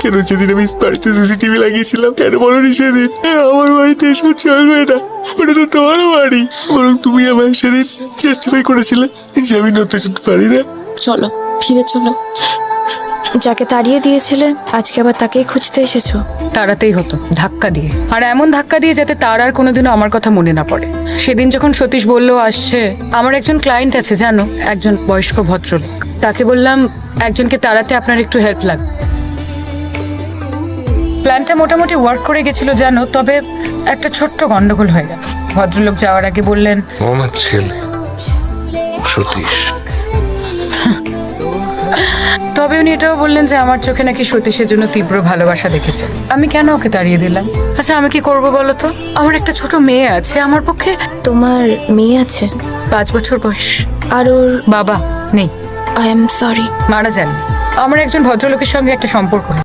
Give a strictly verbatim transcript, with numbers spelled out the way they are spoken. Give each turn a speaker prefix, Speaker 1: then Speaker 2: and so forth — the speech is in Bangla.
Speaker 1: কেন যেদিন আমি বাড়িতে সিসিটিভি লাগিয়েছিলাম কেন বলনি সেদিন? আমার বাড়িতে এসব চলবে না, ওটা তো তোমার বাড়ি। বরং তুমি আমায় সেদিন জাস্টিফাই করেছিলে যে আমি নতুন পারি না।
Speaker 2: চলো ফিরে চলো। যাকে তাড়িয়ে দিয়েছিলে আজকে আবার তাকেই খুঁজতে এসেছো।
Speaker 3: তাড়াতেই হতো ধাক্কা দিয়ে, আর এমন ধাক্কা দিয়ে যাতে তার আর কোনোদিনও আমার কথা মনে না পড়ে। সেদিন যখন সতীশ বলল আসছে, আমার একজন ক্লায়েন্ট আছে জানো, একজন বয়স্ক ভদ্রলোক, তাকে বললাম একজনকে তাড়াতে আপনার একটু হেল্প লাগবে। প্ল্যানটা মোটামুটি ওয়ার্ক করে গেছিল জানো, তবে একটা ছোট্ট গন্ডগোল হয়ে গেল। ভদ্রলোক যাওয়ার আগে বললেন,
Speaker 4: ও আমার ছেলে সতীশ।
Speaker 3: তবে উনি এটাও বললেন যে আমার চোখে নাকি সতীশের জন্য তীব্র ভালোবাসা দেখেছে। আমি কেন ওকে তাড়িয়ে দিলাম? আচ্ছা আমি কি করব বলো তো? আমার একটা ছোট মেয়ে আছে, আমার পক্ষে
Speaker 2: তোমার মেয়ে আছে?
Speaker 3: পাঁচ বছর বয়স।
Speaker 2: আর ওর
Speaker 3: বাবা নেই,
Speaker 2: আই এম সরি।
Speaker 3: মারা যান। আমার একজন ভদ্রলোকের সঙ্গে একটা সম্পর্ক হয়েছে।